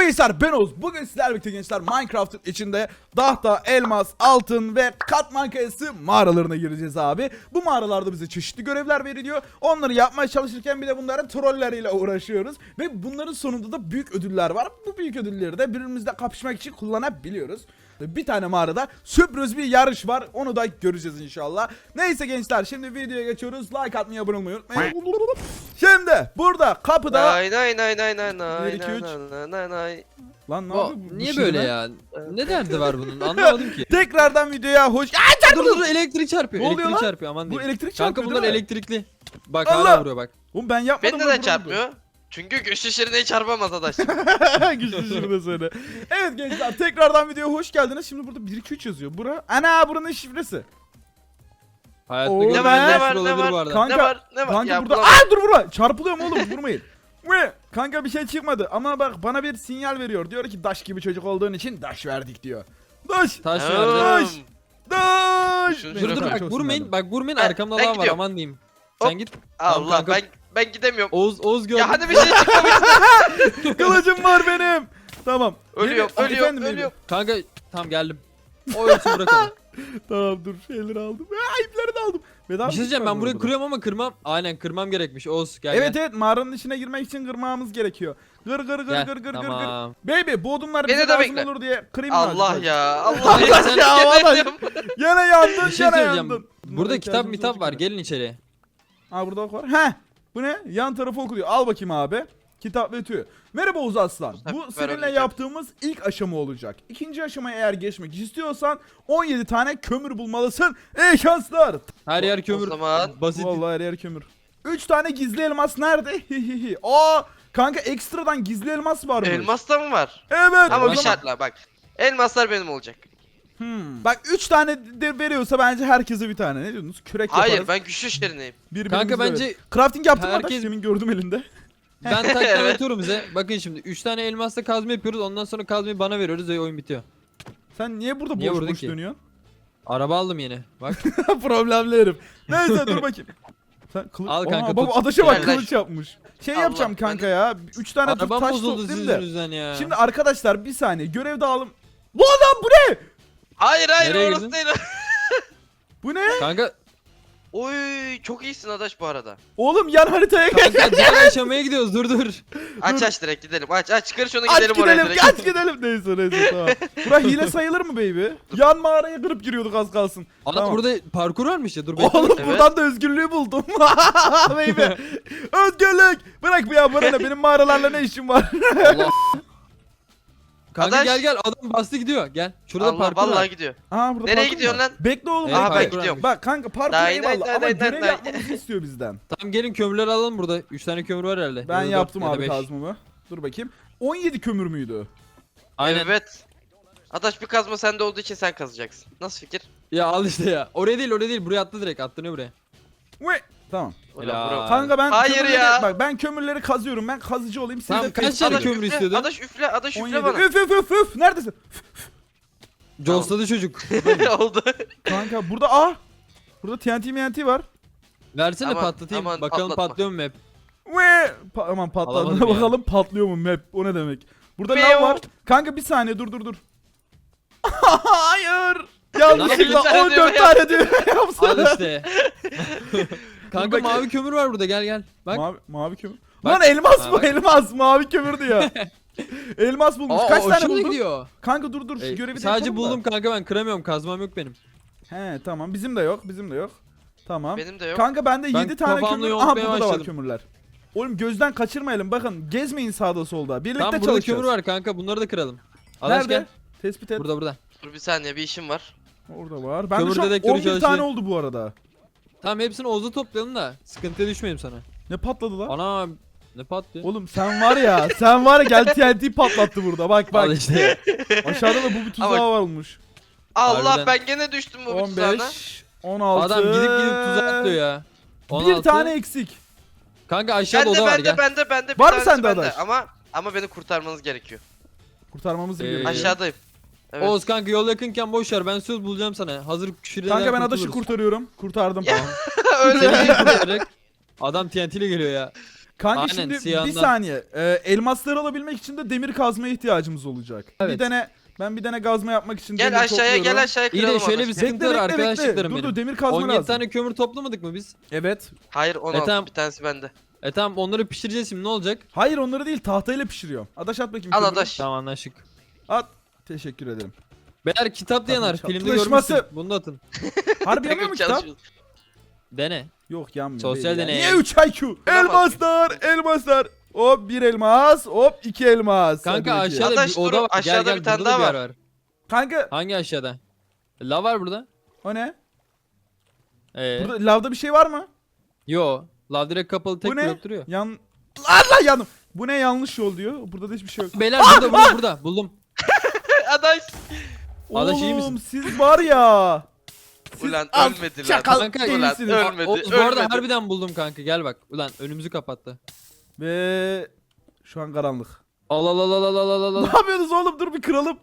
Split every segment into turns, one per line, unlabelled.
gençler, ben Oğuz. Bugün sizlerle birlikte gençler Minecraft'ın içinde tahta, elmas, altın ve katman kayası mağaralarına gireceğiz abi. Bu mağaralarda bize çeşitli görevler veriliyor. Onları yapmaya çalışırken bir de bunların trolleriyle uğraşıyoruz. Ve bunların sonunda da büyük ödüller var. Bu büyük ödülleri de birbirimizle kapışmak için kullanabiliyoruz. Bir tane mağarada sürpriz bir yarış var. Onu da göreceğiz inşallah. Neyse gençler, şimdi videoya geçiyoruz. Like atmayı, abone olmayı unutmayın. Şimdi burada kapıda...
Nay nay nay nay nay nay
Bir, iki, üç.
nay nay nay.
Lan ne
Bu,
oldu? Bu
niye
şimdi
böyle
lan?
ya? Ne derdi var bunun? Anlamadım ki.
Tekrardan videoya hoş...
Dur dur elektrik çarpıyor.
Ne oluyor
Elektrik
lan?
çarpıyor aman
Bu
diyeyim.
elektrik
Kanka
çarpıyor
bunlar
değil mi?
elektrikli. Bak
Allah!
hala vuruyor bak.
Oğlum ben yapmadım.
Beni neden çarpmıyor? Çünkü güçlü şirineyi çarpamaz adaş.
Güçlü şurada söyle. Evet gençler, tekrardan videoya hoş geldiniz. Şimdi burada 1 2 3 yazıyor. Ana buranın şifresi.
Hayatta
Oo,
görmediğim
ne var,
bir
ne var,
sürü
ne
olabilir
var?
bu arada.
Kanka,
Ne var ne var?
Kanka
Ya
burada...
bulamadım.
Dur vurma. Çarpılıyorum oğlum, vurmayın. Kanka bir şey çıkmadı ama bak bana bir sinyal veriyor. Diyor ki daş gibi çocuk olduğun için daş verdik diyor. Daş.
Taş
Hmm.
verdi.
Daş.
Şunu
Dur
şöyle
dur
bırak.
bak vurmayın. Bak vurmayın
Ben-
arkamda
ben
adam var
gidiyorum.
aman diyeyim.
Hop.
Sen git. Tamam
Allah
kanka.
ben gidemiyorum.
Oğuz gördüm.
Ya hadi bir şey çıkmamış.
Kılıcım var benim. Tamam.
Ölüyorum
Benim-
ölüyorum
efendim, benim.
ölüyorum.
Kanka tamam geldim. O ölsün bırakalım.
Tamam dur, şeyleri aldım. İpleri de aldım. Bedava
Bir şey diyeceğim
var
ben burayı
burada.
kırıyorum ama kırmam. Aynen kırmam gerekmiş. Oğuz gel
Evet
gel.
evet, mağaranın içine girmek için kırmamız gerekiyor. Gır gır gır
Gel,
gır gır
tamam.
gır. Baby bu odunlar
Beni
bize
de
lazım
bekle.
olur diye kırayım mı
Allah
azıcık?
ya Allah
Hayır,
ya.
sen-
Ya vallahi.
Yemedim.
Gene yandın,
Bir şey
gene
söyleyeceğim.
yandın.
Burada kitap
İhtiyacımız
mitap var.
olacak.
Gelin içeri.
Ha burada ok var. Heh. Bu ne? Yan tarafı okuyor. Al bakayım abi. Kitap ve tüy. Merhaba Oğuz Aslan. Bu
Ben
seninle
öleceğim.
yaptığımız ilk aşama olacak. İkinci aşamaya eğer geçmek istiyorsan 17 tane kömür bulmalısın. İyi şanslar.
Her yer kömür.
O zaman-
Basit.
Vallahi her yer kömür. 3 tane gizli elmas nerede? Aa, kanka ekstradan gizli elmas varmış.
Elmas da mı var?
Evet.
Ama
o
bir
zaman-
şartla bak. Elmaslar benim olacak.
Bak 3 tane de veriyorsa bence herkese bir tane. Ne diyorsunuz? Kürek
Hayır
yaparız.
ben güçlü şirineyim.
Birbirimize
Kanka bence
evet. Crafting yaptın mı
herkes-
da? Demin gördüm elinde.
ben tak
Evet.
anlatıyorum size. Bakın şimdi 3 tane elmasla kazma yapıyoruz. Ondan sonra kazmayı bana veriyoruz ve oyun bitiyor.
Sen niye burada
Niye
boş
vurdun
boş
ki?
dönüyorsun?
Araba aldım yine. Bak.
Problemli herif. Neyse dur bakayım. Sen kılıç...
Al kanka,
Baba
tut.
adaşa bak,
Gel,
kılıç yapmış. Şey
Allah,
yapacağım kanka ya. 3 tane dur
Arabam
taş
bozuldu
toplayayım
sizin
da.
yüzünüzden ya.
Şimdi arkadaşlar bir saniye, görev dağılım. Bu adam bu ne?
Hayır
Nereye
orası
girdin?
değil.
Bu ne?
Kanka
Oy çok iyisin adaş bu arada.
Oğlum yan haritaya gel.
kanka diğer aşamaya gidiyoruz dur.
Aç direkt gidelim. Aç çıkar şunu
Aç
gidelim oraya
gidelim,
direkt.
aç gidelim. Neyse tamam. Bura hile sayılır mı baby? Yan mağaraya kırıp giriyorduk az kalsın.
Ana
Tamam.
burada parkur varmış ya dur bekle.
Oğlum
Evet.
buradan da özgürlüğü buldum. Baby. Özgürlük. Bırak bu ya, bana ne? Benim mağaralarla ne işim var?
Allah. Kanka
Adaş.
gel adam bastı gidiyor gel. Şurada
Allah
parkur
vallahi
var.
gidiyor.
Aa, burada
Nereye
parkur
gidiyorsun
var.
lan?
Bekle oğlum.
Evet,
Aha ben
parkur
gidiyorum.
varmış.
Bak kanka parkur
Day,
eyvallah
day,
ama
day,
görev
day.
yapmamızı istiyor bizden.
Tamam gelin kömürleri alalım burada. 3 tane kömür var herhalde.
Ben
Ya da dört
yaptım
ya da
abi
beş.
kazmamı. Dur bakayım. 17 kömür müydü?
Aynen.
Evet. Adaş bir kazma sende olduğu için sen kazacaksın. Nasıl fikir?
Ya al işte ya. Oraya değil buraya attı direkt attırıyor buraya.
Ve tamam.
Helal.
Bro.
Kanka ben
Hayır
kömürleri,
ya.
bak ben kömürleri kazıyorum. Ben kazıcı olayım. Siz
Tamam,
de
kaç tane
Adaş
kömür
üfle,
istiyordun?
Adaş üfle
17.
bana.
Üf. Neredesin?
Jolsladı çocuk.
Oldu.
Kanka burada burada TNT var.
Versene
Aman,
patlatayım.
aman,
Bakalım
patlatma.
patlıyor mu hep.
Ve aman patladı.
Alamadım ya.
Bakalım patlıyor mu map? O ne demek? Burada
Meow.
lav var. Kanka bir saniye dur. Hayır. Yanlışlıkla
Bir tane
14
düğme
tane düğme
Al
yapsana.
işte. Kanka
bakayım.
mavi kömür var burada gel. Bak.
Mavi kömür.
Bak.
Lan elmas
Ha,
bu,
bak.
elmas. Mavi kömür diyor. Elmas bulmuş. Kaç tane
hoşuma
buldun?
gidiyor.
Kanka dur şu görevi de
Sadece
yapalım da.
buldum kanka ben kıramıyorum kazmam yok benim.
He tamam, bizim de yok. Tamam.
Benim de yok.
Kanka bende
Ben
7 tane
kafamla
kömür. Aha
yontmaya
burada da var
başladım.
kömürler. Oğlum gözden kaçırmayalım, bakın gezmeyin sağda solda. Birlikte
Tamam burada
çalışacağız.
kömür var kanka bunları da kıralım. Adaş
Nerede?
gel.
Tespit et.
Burada.
Dur bir saniye bir işim var.
Orada var. Ben de
Kömür
şu an
dedektörü
11 tane
çalışıyor.
oldu bu arada.
Tamam hepsini Oğuz'a toplayalım da sıkıntıya düşmeyeyim sana.
Ne patladı lan?
Ana ne patlıyor?
Oğlum sen var ya gel TNT patlattı burada. Bak
Al işte.
Aşağıda da bu bir tuzağı
Ama-
varmış.
Allah
Harbiden.
ben gene düştüm bu tuzağına.
15 16
Adam gidip tuzağa atlıyor ya.
Bir
16.
tane eksik.
Kanka aşağıda oda var gel.
Bende bir
Var mı
tanesi
sende
bende.
adaş?
Ama beni kurtarmanız gerekiyor.
Kurtarmamız
Ee,
gerekiyor.
Aşağıdayım. Evet.
Oğuz kanka yol yakınken boş ver ben söz bulacağım sana. Hazır küfüreden
Kanka ben adaşı kurtarıyorum. Kurtardım.
Ya.
Seni
Öyle
niye kurtaracak? Adam TNT ile geliyor ya.
Kanka
Aynen,
şimdi bir
siyahından.
saniye. Elmasları alabilmek için de demir kazmaya ihtiyacımız olacak.
Evet.
Ben bir tane kazma yapmak için
Gel
demir
aşağıya
topluyorum.
gel aşağıya
İyi de
kıralım
şöyle
Adaş.
bir
Gel.
sıkıntı var arkadaşlarım
Dur
benim.
demir kazma
17
lazım.
tane kömür toplamadık mı biz?
Evet.
Hayır 16
tamam.
bir tanesi bende.
Tamam onları pişireceğiz şimdi ne olacak?
Hayır onları değil tahtayla pişiriyorum. Adaş at bakayım.
Al
kömürü.
Adaş.
Tamam anlaştık.
At. Teşekkür ederim.
Beyler kitap da yanar.
Tabii,
Filmde
çalışması.
görmüşsün. Bunu da atın.
Harbi yanıyor mu kitap?
Çalışıyoruz.
Dene.
Yok yanmıyor.
Sosyal
değil ya.
deney.
Niye 3 IQ? Elmaslar. Hop 1 elmas. Hop 2 elmas.
Kanka
Hadi bakayım.
aşağıda
Adaş,
bir oda
dur,
var.
aşağıda bir tane
burada da
daha
yer
var.
Kanka
Hangi aşağıda? Lav var burada.
o ne?
Ee,
Burada lavda bir şey var mı?
Yo. Lav direkt kapalı tek
Bu ne?
blok duruyor.
Allah yandım. Bu ne yanlış yol diyor. Burada da hiçbir şey yok.
Beyler burada. Buldum.
Adaş.
Adaş iyi
Oğlum
misin?
siz var ya. Siz
Ulan
az
ölmedi lan.
çakal
Kanka,
değilsiniz.
ulan ölmedi.
Oğuz bu arada
ölmedi.
harbiden buldum kanka. Gel bak. Ulan önümüzü kapattı.
Ve şu an karanlık.
Al al al al al al al al.
Ne yapıyorsunuz oğlum? Dur bir kıralım.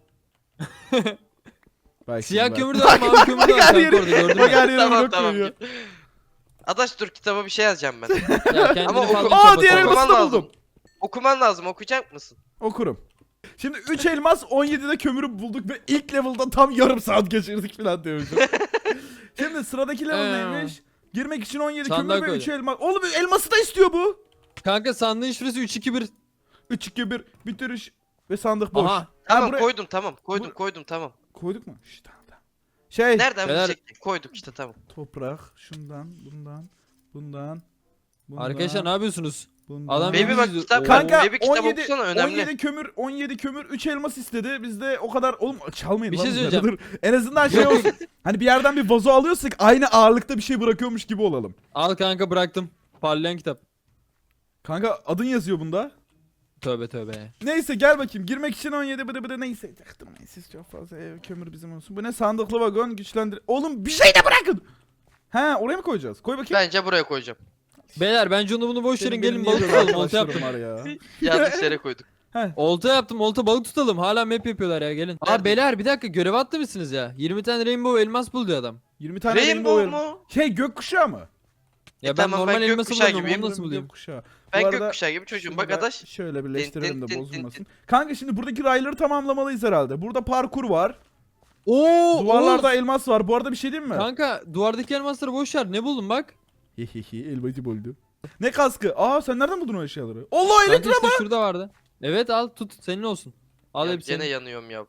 Bak
Siyah
şimdi bak.
kömür de var, mavi kömür de var
Bak her
kanka
yeri-
orada gördün
Bak
mü?
her yeri
Tamam
blok
tamam.
koyuyor.
Adaş dur kitaba bir şey yazacağım ben.
Ya kendini
Ama
fazla
oku-
Aa diğer
kapat.
elması da
Okuman
buldum.
Okuman lazım okuyacak mısın?
Okurum. Şimdi 3 elmas 17'de kömürü bulduk ve ilk level'da tam yarım saat geçirdik falan diyormuşum. Şimdi sıradaki level neymiş? Girmek için 17
Sandığa
kömür ve 3
koy.
elmas. Oğlum elması da istiyor bu.
Kanka sandığın şurası 3-2-1.
3 2 1 bitiriş ve sandık boş.
Aha.
Ha,
Tamam
buraya-
koydum tamam.
Bu-
Koydum tamam.
Koyduk mu? İşte tamam. Şey
Nereden
Beyler-
bilecektik? Koyduk işte tamam.
toprak şundan bundan.
Arkadaşlar ne yapıyorsunuz?
bundan.
Adam
Baby bak
bizi-
kitap
Kanka
Baby kitap
17
okusana önemli.
17 kömür 3 elmas istedi. Biz de o kadar oğlum çalmayın
Bir
lan
şey
bunları,
söyleyeceğim.
dur. En azından şey olsun. Hani bir yerden bir vazo alıyorsak aynı ağırlıkta bir şey bırakıyormuş gibi olalım.
Al kanka bıraktım. Parlayan kitap.
Kanka adın yazıyor bunda.
Tövbe tövbe.
Neyse gel bakayım. Girmek için 17 bıdı neyse. Yaktırmayın siz çok fazla kömür bizim olsun. Bu ne sandıklı vagon güçlendir. Oğlum bir şey de bırakın. He oraya mı koyacağız? Koy bakayım.
Bence buraya koyacağım.
Beyler bence onu bunu boş verin
Benim
gelin
niye
balık
böyle
tutalım. Olta
arkadaşlarım
yaptım.
var ya.
Yanlış yere koyduk.
Olta yaptım. Olta balık tutalım. Hala map yapıyorlar ya gelin.
Nerede?
Beyler bir dakika görev attı mısınız ya? 20 tane rainbow elmas buldu adam.
20 tane
Rainbow
elma.
mu?
Şey gökkuşağı mı?
Ya ben
tamam, ben
normal elması
gökkuşağı
bulamıyorum.
gibiyim.
Onu nasıl bulayım?
Gökkuşağı.
Ben
Bu arada
gökkuşağı gibi çocuğum.
şunu
Bak
da
Adaş.
şöyle birleştirelim de
Tin, tin, tin,
bozulmasın.
tin.
Kanka şimdi buradaki rayları tamamlamalıyız herhalde. Burada parkur var.
Oo!
Duvarlarda
Oğuz!
elmas var. Bu arada bir şey diyeyim mi?
Kanka duvardaki elmasları boş ver. Ne buldun bak?
Hehehe elmacı buldu. Ne kaskı? Aa sen nereden buldun o eşyaları? Allah
Kanka
elektrik.
işte şurada vardı. Evet al tut senin olsun. Al
Ya
hepsini.
gene yanıyorum ya.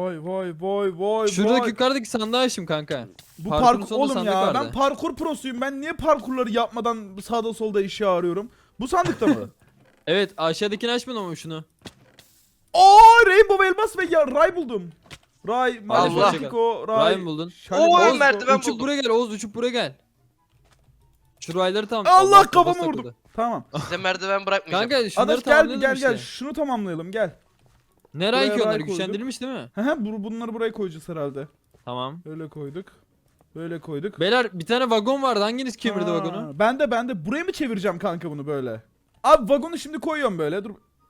Vay.
Şuradaki yukarıdaki sandığı açtım kanka.
Bu
parkurun
parkur
sonunda
oğlum
sandık
ya.
vardı.
Ben parkur prosuyum. Ben niye parkurları yapmadan sağda solda eşya arıyorum? Bu sandıkta mı?
Evet aşağıdakini açmadın ama şunu.
Oo Rainbow elmas ve ya ray buldum. Ray,
Allah.
Maletiko, Ray.
Ray mı buldun?
Şalin
Oo,
Maletiko.
merdiven
Uçup
buldum.
buraya gel Oğuz uçup buraya gel. Şu rayları tam.
Allah
kafası
kafamı vurdum.
takıldı.
Tamam.
Size merdiven bırakmayacağım.
Kanka şunları
Adaş gel
tamamlayalım
gel
işte.
şunu tamamlayalım gel.
Ne
Buraya
ray ki
ray
onlar
koyduk.
güçlendirilmiş değil mi?
Bunları buraya koyacağız herhalde.
Tamam.
Öyle koyduk. Böyle koyduk.
Beyler bir tane vagon vardı hanginiz kemirdi
Ha,
vagonu?
Ben de. Buraya mı çevireceğim kanka bunu böyle? Abi vagonu şimdi koyuyorum böyle. Dur.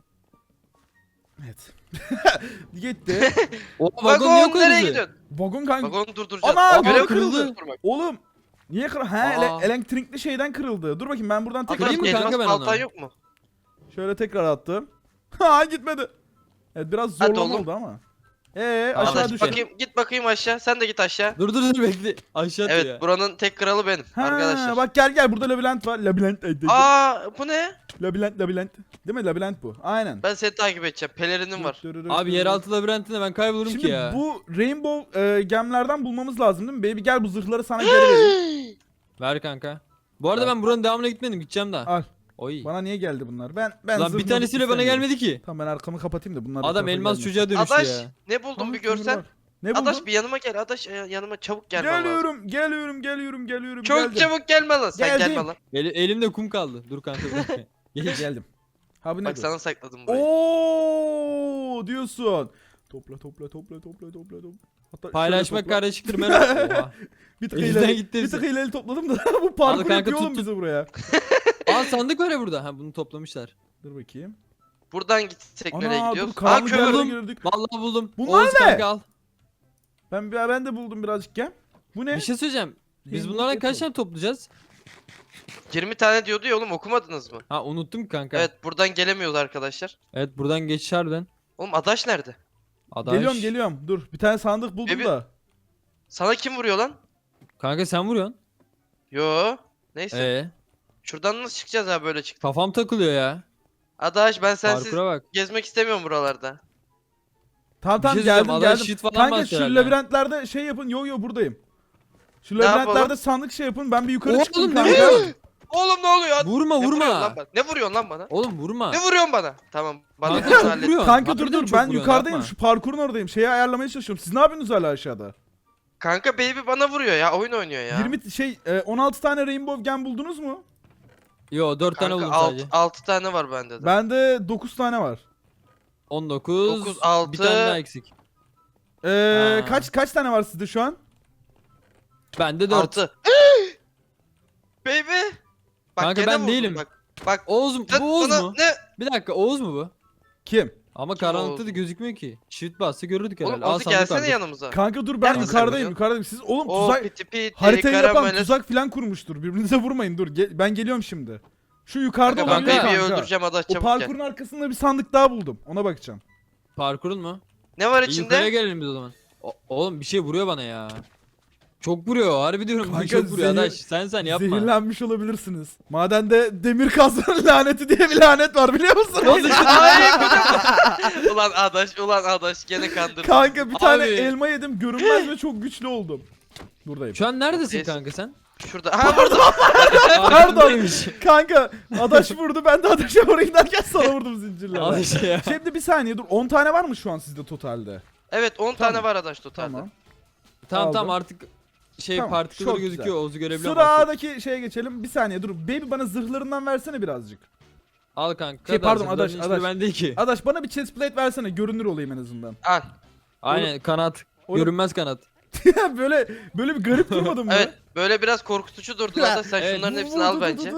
Evet. Gitti.
O vagon niye
Vagon nereye
koyuldu?
gidiyorsun?
Vagon kanka.
Vagonu durduracağız.
Ana,
Görev
vagon
kırıldı.
kırıldı.
Dur bak.
Oğlum. Niye kır? He
Aa.
elektrikli şeyden kırıldı. Dur bakayım ben buradan tekrar
Kırayım mı
Elmas
kanka ben
baltan
onu?
yok mu?
şöyle tekrar attım. Ha gitmedi. Evet biraz
Hadi
zorlama
oğlum.
oldu ama.
Adaş,
Aşağı
Adaş
düşelim.
bakayım git bakayım aşağı. Sen de git aşağı.
Dur bekle. Aşağı atıyor
Evet
ya.
buranın tek kralı benim
Ha,
arkadaşlar.
bak gel burada labirent var. Labirent.
Bu ne?
Labirent. Değil mi? Labirent bu. Aynen.
Ben seni takip edeceğim. Pelerinim var.
Abi yeraltı labirentinde ben kaybolurum
Şimdi
ki ya.
bu Rainbow gemlerden bulmamız lazım değil mi? Baby gel bu zırhları sana geri vereyim.
Ver kanka. Bu arada ben buranın devamına gitmedim gideceğim daha.
Al.
Oy.
Bana niye geldi bunlar? Ben
Lan bir
zırhları
tanesiyle bana
istemiyorum.
gelmedi ki.
Tamam ben arkamı kapatayım da bunlar. bu
Adam
tarafa
elmas
gelmesin.
çocuğa dönüştü
Adaş
ya.
ne buldum
Aa,
bir
kömür
görsen.
var. Ne buldun?
Adaş bir yanıma gel. Adaş yanıma çabuk gelmen lazım.
Geliyorum.
Çok
geldim.
çabuk gelme lan. Sen
Geldim.
gelme lan.
Elimde kum kaldı. Dur kanka bir dakika. Gel.
Geldim. Ha bu ne?
Bak sana sakladım burayı.
Oo diyorsun. Topla. Hatta
Paylaşmak
şöyle topla.
kardeşliktir Mehmet. Oha.
Bir tık
Elimden
ileri,
gitti
bir
hepsi.
tık ileri topladım da bu parkur
kanka,
yapıyor
tut,
oğlum
tut.
bizi buraya.
Aa sandık var ya burada. Ha bunu toplamışlar.
Dur bakayım.
Buradan gitsek nereye
Ana dur
gidiyoruz? Aa
karanlık
kömür.
yerlere
buldum.
girdik.
Vallahi buldum.
Bunlar
Oğuz
ne?
kanka al.
Ben de buldum birazcık gel. Bu ne?
Bir şey söyleyeceğim. Biz
Rainbow
bunlardan kaç
Apple.
tane toplayacağız?
20 tane diyordu ya oğlum, okumadınız mı?
Ha unuttum kanka.
Evet, buradan gelemiyoruz arkadaşlar.
Evet buradan geçiş harbiden.
Oğlum Adaş nerede?
Adaş.
Geliyorum. Dur bir tane sandık buldum
Bebi-
da.
Sana kim vuruyor lan?
Kanka sen vuruyorsun.
Yo. Neyse. Şuradan nasıl çıkacağız abi, böyle çık.
Kafam takılıyor ya.
Adaş, ben sensiz
Parkura bak.
gezmek istemiyorum buralarda.
Tamam
Bir şey
geldim
söyleyeceğim, Adaş
geldim.
shit falan
Kanka
bastı
şu
herhalde.
labirentlerde şey yapın. Yo buradayım. Şu
Ne
labirentlerde
yapalım?
sandık şey yapın. Ben bir yukarı
Oğlum,
çıktım
ne
kanka.
vuruyorsun?
Oğlum ne oluyor?
Vurma
Ne vuruyorsun lan
vurma.
bana? Ne vuruyorsun lan bana?
Oğlum vurma.
Ne vuruyorsun bana? Tamam. Bana
Kanka
bunu
çok
hallet.
vuruyorsun.
Kanka
Harbiden
dur
çok
ben
vuruyorsun,
yukarıdayım.
yapma.
Şu parkurun oradayım. Şeyi ayarlamaya çalışıyorum. Siz ne yapıyorsunuz hala aşağıda?
Kanka baby bana vuruyor ya. Oyun oynuyor ya.
16 tane Rainbow Gem buldunuz mu?
Yo 4 tane
Kanka
buldum sadece.
6 tane var bende de.
Bende 9 tane var.
19.
9, 6.
Bir tane daha eksik. Ha.
Kaç tane var sizde şu an?
Bende 4.
6. Baby. Bak
Kanka
gene
ben
vurdum,
değilim.
Bak.
Oğuz mu?
Sen
Bu Oğuz
bana
mu?
ne?
Bir dakika Oğuz mu bu?
Kim?
Ama
Kim
karanlıkta
Oğuz?
da gözükmüyor ki. Shift bassa görürdük
Oğlum
herhalde. Al
Oğuz'u
sandık
gelsene
vardı.
yanımıza.
Kanka dur ben
Nerede
yukarıdayım
sen
yukarıdayım. Siz oğlum
O
tuzak
piti piti
haritayı yapan
karamele.
tuzak falan kurmuştur. Birbirinize vurmayın dur. Ben geliyorum şimdi. Şu yukarıda
Kanka ben
olabilir
baby'yi
kanka.
öldüreceğim Adaş,
O
çabuk gel.
parkurun arkasında bir sandık daha buldum. Ona bakacağım.
Parkurun mu?
Ne var
Yukarıya
içinde?
gelelim biz o zaman. Oğlum bir şey vuruyor bana ya. Çok vuruyor. Harbi diyorum.
Kanka,
çok vuruyor
zehir-
Adaş. Sen yapma.
Zehirlenmiş olabilirsiniz. Madende demir kazmanın laneti diye bir lanet var biliyor musun?
Ay, ulan Adaş gene kandırdın.
Kanka bir tane
Abi.
elma yedim görünmez ve çok güçlü oldum. Buradayım.
Şu an neredesin
Yes.
kanka sen?
Şurada. Ha burada.
Arkandaymış.
Kanka adaş vurdu ben de adaşa vurayım derken sana vurdum zincirle.
Adaş ya.
Şimdi bir saniye dur 10 tane var mı şu an sizde totalde?
Evet 10
Tamam.
tane var Adaş totalde.
Tamam.
Tamam
Aldım.
tamam artık
Tamam,
partikülleri
çok
gözüküyor.
güzel.
Oğuz'u görebiliyorum artık.
Sıradaki şeye geçelim. Bir saniye dur. Baby bana zırhlarından versene birazcık.
Al kanka.
Şey,
da
pardon,
zırhların
Adaş,
hiçbiri
Adaş.
bende ki.
Adaş bana bir chest plate versene görünür olayım en azından.
Al.
Aynen kanat.
Oğlum-
Görünmez kanat.
böyle bir garip durmadın mı?
Evet böyle biraz korkutucu durdun Adaş, sen
Evet.
şunların hepsini al bence.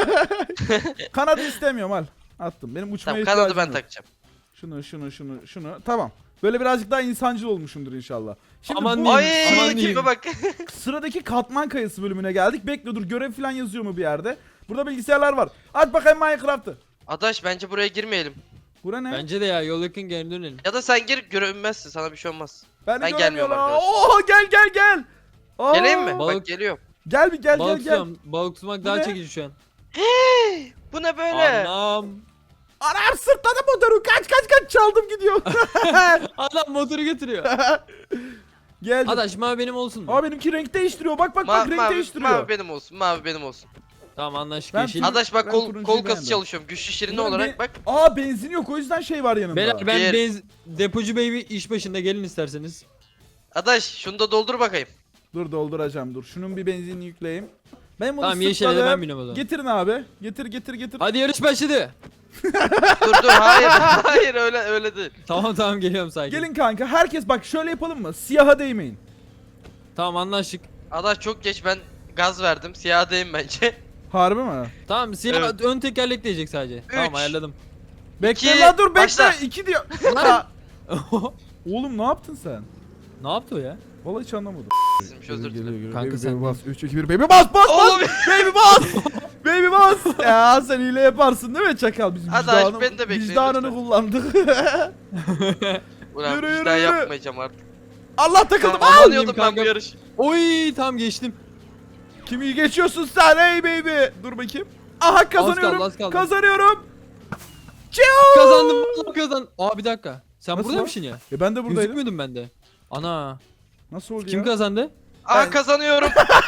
Kanadı istemiyorum al. Attım. Benim uçmaya
Tamam
ihtiyacım
kanadı ben
yok.
takacağım.
Şunu. Tamam. Böyle birazcık daha insancıl olmuşumdur inşallah. Şimdi
Aman
bu
diyeyim.
Ay
Aman diyeyim.
kime bak.
sıradaki katman kayası bölümüne geldik. Bekle dur görev falan yazıyor mu bir yerde? Burada bilgisayarlar var. Aç bakayım Minecraft'ı.
Adaş bence buraya girmeyelim.
Bura ne?
Bence de ya yol yakın geri dönelim.
Ya da sen gir, görünmezsin, sana bir şey olmaz.
Ben
ben gelmiyorum
göremiyorum.
arkadaşlar.
Oo gel. Aa,
Geleyim mi?
Balık-
Bak geliyorum.
Gel bir gel
Balık
gel.
tutuyorum. Balık tutmak
Bu
daha
ne?
çekici şu an.
Bu ne böyle?
Anam.
Anam sırtladı motoru. Kaç çaldım gidiyor.
Adam motoru götürüyor.
Gel.
Adaş mavi benim olsun mu?
Aa benimki renk değiştiriyor. Bak renk
Mavi
değiştiriyor.
benim olsun, mavi benim olsun.
Tamam anlaştık
Ben
yeşil.
turuncu-
Adaş bak
ben
kol
turuncuyu
kası
beğendim.
çalışıyorum. Güçlü şirini
Bunların
olarak bak.
Aa benzin yok o yüzden şey var yanında.
Beyler ben
Bir-
depocu baby iş başında gelin isterseniz.
Adaş şunu da doldur bakayım.
Dur dolduracağım dur. Şunun bir benzinini yükleyeyim. Ben bunu
Tamam yeşile de
sırtladım.
ben biniyorum o zaman.
Getirin abi. Getir.
Hadi yarış başladı.
Dur hayır öyle değil.
Tamam geliyorum sakin.
Gelin kanka herkes bak şöyle yapalım mı? Siyaha değmeyin.
Tamam anlaştık.
Adaş çok geç, ben gaz verdim. Siyahadayım bence.
Harbi mi?
Tamam siyah
Evet.
ön tekerlek diyecek sadece. Tamam
Üç.
ayarladım.
Bekle
İki,
la dur bekle.
başla.
2 diyor. Oğlum ne yaptın sen?
Ne yaptı o ya?
Vallahi hiç anlamadım.
Sizmiş, özür dilerim.
Kanka
baby,
sen-
baby bas. 3 2 1 baby bas.
Oğlum
Baby bas. Baby bas. Ya sen hile yaparsın değil mi çakal? Biz
Hadi
vicdanı,
beni de bekleyin
vicdanını
lütfen.
kullandık.
ulan
Yürü,
bir
yürü,
daha
yürü.
yapmayacağım artık.
Allah takıldım.
Tamam,
Al.
anlıyordum ben bu
kanka.
yarışı.
Oy tam geçtim.
Kimi geçiyorsun sen hey baby? Dur bakayım. Aha kazanıyorum.
Az kaldı.
Kazanıyorum.
Kazandım vallahi kazandım. Aa bir dakika. Sen
Nasıl
buradaymışsın ya.
Ben de buradaydım.
Gözükmüyordum ben de. Ana.
Nasıl oldu
Kim
ya?
kazandı?
Aa kazanıyorum.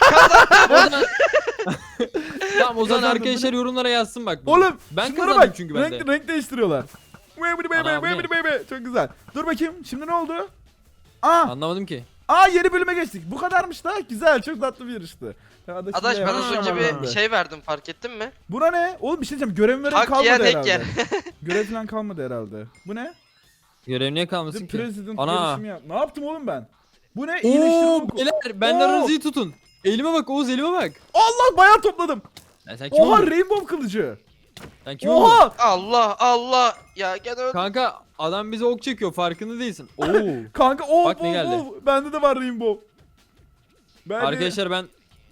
Tamam o zaman
Kazandım,
arkadaşlar yorumlara yazsın bak. bunu.
Oğlum
Ben
şunlara
kazandım
bak.
çünkü ben de.
Renk değiştiriyorlar. Baby
Ana, bu ne?
baby. Çok güzel. Dur bakayım. Şimdi ne oldu? Aa,
Anlamadım ki.
yeni bölüme geçtik. Bu kadarmış da. Güzel. Çok tatlı bir yarıştı.
Adaş ben az önce
Ha.
bir şey verdim, fark ettin mi?
Buna ne? Oğlum bir şey diyeceğim. Görev
Hak
kalmadı
yiyen ek
herhalde.
yer.
Görev falan kalmadı herhalde. Bu ne?
Görev niye kalmasın
The
ki?
President
Ana.
yarışımı yap. Ne yaptım oğlum ben? Bu ne? İyileştirme
Oo
oku.
beyler benden
Oo.
aranızı tutun. Elime bak Oğuz elime bak.
Allah bayağı topladım.
Sen kim
Oha
oldun?
Rainbow kılıcı.
Sen kim oldun?
Oha.
Allah ya gene öldüm.
Kanka adam bize ok çekiyor farkında değilsin. Oo.
Kanka
Bak ne geldi.
Bende de var Rainbow. Ben de-
Arkadaşlar ben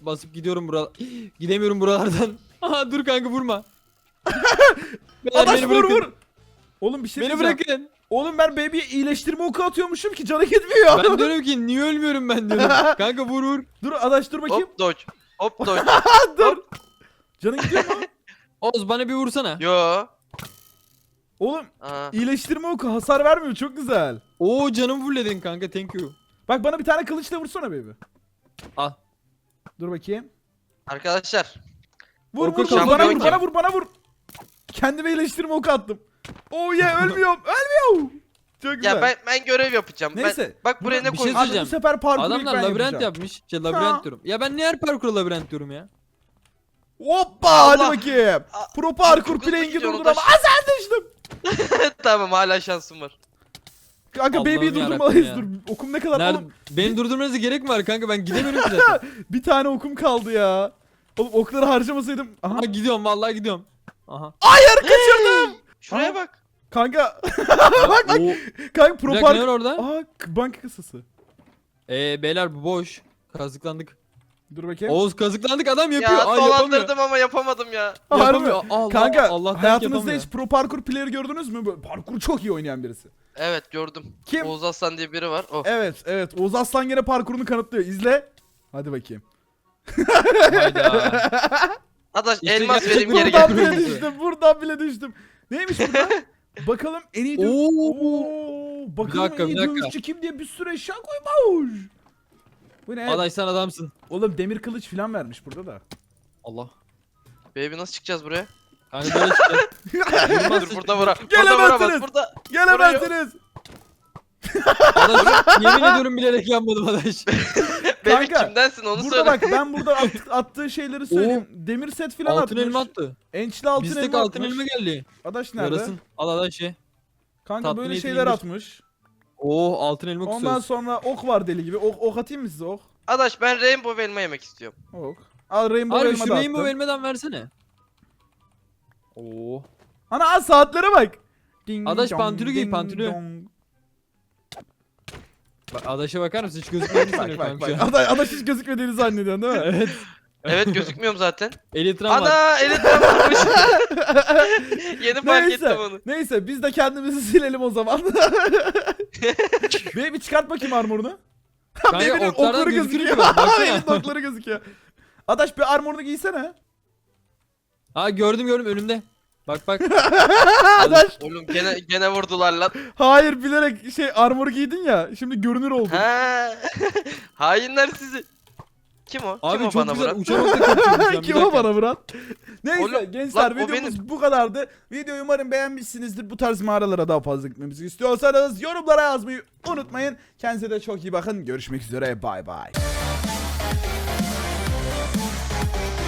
basıp gidiyorum gidemiyorum buralardan. Aha dur kanka vurma. Beyler,
Adaş
beni
vur
bırakın.
vur. Oğlum bir şey
Beni
diyeceğim.
bırakın.
Oğlum ben baby'ye iyileştirme oku atıyormuşum ki canı gitmiyor.
Ben diyorum ki niye ölmüyorum ben diyorum. Kanka vur vur.
Dur Adaş dur bakayım.
Hop dodge. Hop dodge.
Dur. Canın gidiyor mu?
Oğuz bana bir vursana.
Yo.
Oğlum
Aha.
iyileştirme oku hasar vermiyor çok güzel.
Oo canımı fulledin kanka thank you.
Bak bana bir tane kılıçla vursana baby.
Al.
Dur bakayım.
Arkadaşlar.
Vur
Oku
vur
şampiyon
bana vur
kim?
bana vur bana vur. Kendime iyileştirme oku attım. Oh yeah ölmüyorum ölmüyorum. Çok güzel.
Ya ben görev yapacağım.
Neyse,
Bak buraya ne
bir şey
koydum?
Abi bu
söyleyeceğim.
sefer parkur ilk
Adamlar
ben
labirent
yapacağım.
yapmış. Labirent diyorum. Ya ben niye her parkura labirent diyorum ya?
Hoppa
Allah.
hadi bakayım.
Aa,
Pro parkur
çok hızlı
playing'i
gidiyor
durdur
Adaş.
ama azar düştüm.
Tamam hala şansım var.
Kanka
Allah'ım
baby'yi
yarabbim
durdurmalıyız
ya.
dur. Okum ne kadar
Nerede?
oğlum.
Beni durdurmanıza gerek mi var kanka ben gidemiyorum ki zaten.
Bir tane okum kaldı ya. Oğlum okları harcamasaydım. Aha.
Aha gidiyorum vallahi gidiyorum. Aha.
Hayır kaçırdım.
Şuraya
Aa.
bak.
Kanka. bak bak.
Oo,
Kanka
bir
pro
dakika ne
parkur.
var orada?
Aha banka kasası.
Beyler bu boş. Kazıklandık.
Dur bakayım.
Oğuz kazıklandık adam yapıyor.
Ya
Aa yapamıyor.
dolandırdım ama yapamadım ya.
Harbi.
Yapamıyor. Allah,
Kanka
Allah'tan
hayatınızda
yapamıyor.
hiç pro parkur player gördünüz mü? Böyle parkur çok iyi oynayan birisi.
Evet gördüm.
Kim?
Oğuz Aslan diye biri var. Oh.
Evet. Oğuz Aslan gene parkurunu kanıtlıyor. İzle. Hadi bakayım.
Hayda.
Adaş
İşte
elmas
gerçek
vereyim geri
Buradan
gel.
bile düştüm. Buradan bile düştüm. Neymiş burada? Bakalım en iyi
Oo.
Bakalım
dakika,
en iyi
bir dakika.
dövüşçü kim diye bir sürü eşya koymuş. Bu ne?
Adaş sen adamsın.
Oğlum demir kılıç falan vermiş burada da.
Allah.
Baby nasıl çıkacağız buraya?
Kanka böyle çıkacağız.
Dur burada vura. Burada
Gelemezsiniz.
vuramaz. Burada.
Gelemezsiniz.
Adaş yemin ediyorum bilerek yanmadım Adaş.
Baby
Kanka,
kimdensin onu
Burada
söyle.
bak ben burada attığı şeyleri söyleyeyim. Demir set falan
Altın elma
atmış.
attı.
Ençli altın
Bizdeki
elma
altın
atmış.
elma geldi.
Adaş nerede?
Yarasın. Al Adaş ye.
Kanka
tatlı
böyle
niyeti
şeyler
indir.
atmış.
Oo altın elma
Ondan
kusuyoruz.
sonra ok var deli gibi. Ok atayım mı size ok?
Adaş ben rainbow elma yemek istiyorum.
Ok. Al rainbow
Abi
elma
şu
da
rainbow
attım.
elmadan versene. Oo.
Ana az saatlere bak. Ding
Adaş
dong,
pantülü giy,
ding
pantülü.
dong.
Bak Adaş'a bakar mısın? Hiç gözükmüyor
Bak
musun
bak
kanka
bak.
şu an?
Adaş hiç gözükmediğini zannediyorsun değil mi?
Evet.
Evet gözükmüyorum zaten.
Elitram var.
Ana elitram varmış. Yeni fark ettim
Neyse.
onu.
Neyse biz de kendimizi silelim o zaman. Baby çıkart bakayım armorunu.
Kanka
Baby'nin
oklardan
okları
gözükür
gözüküyor.
gibi. Baksana.
Baby'nin okları gözüküyor. Adaş bir armorunu giysene.
Ha gördüm önümde. Bak bak.
Adaş.
Oğlum gene vurdular lan.
Hayır bilerek armor giydin ya. Şimdi görünür oldun.
Ha. Hainler sizi. Kim o?
Abi
Kim o
çok
bana
güzel
vuran?
uçamakta kaçıyorum şu an. Bir
Kim o
dakika.
bana Murat? Neyse
Oğlum,
gençler
lan o
videomuz bu kadardı. Videoyu umarım beğenmişsinizdir. Bu tarz mağaralara daha fazla gitmemizi istiyorsanız yorumlara yazmayı unutmayın. Kendinize de çok iyi bakın. Görüşmek üzere. Bay bay.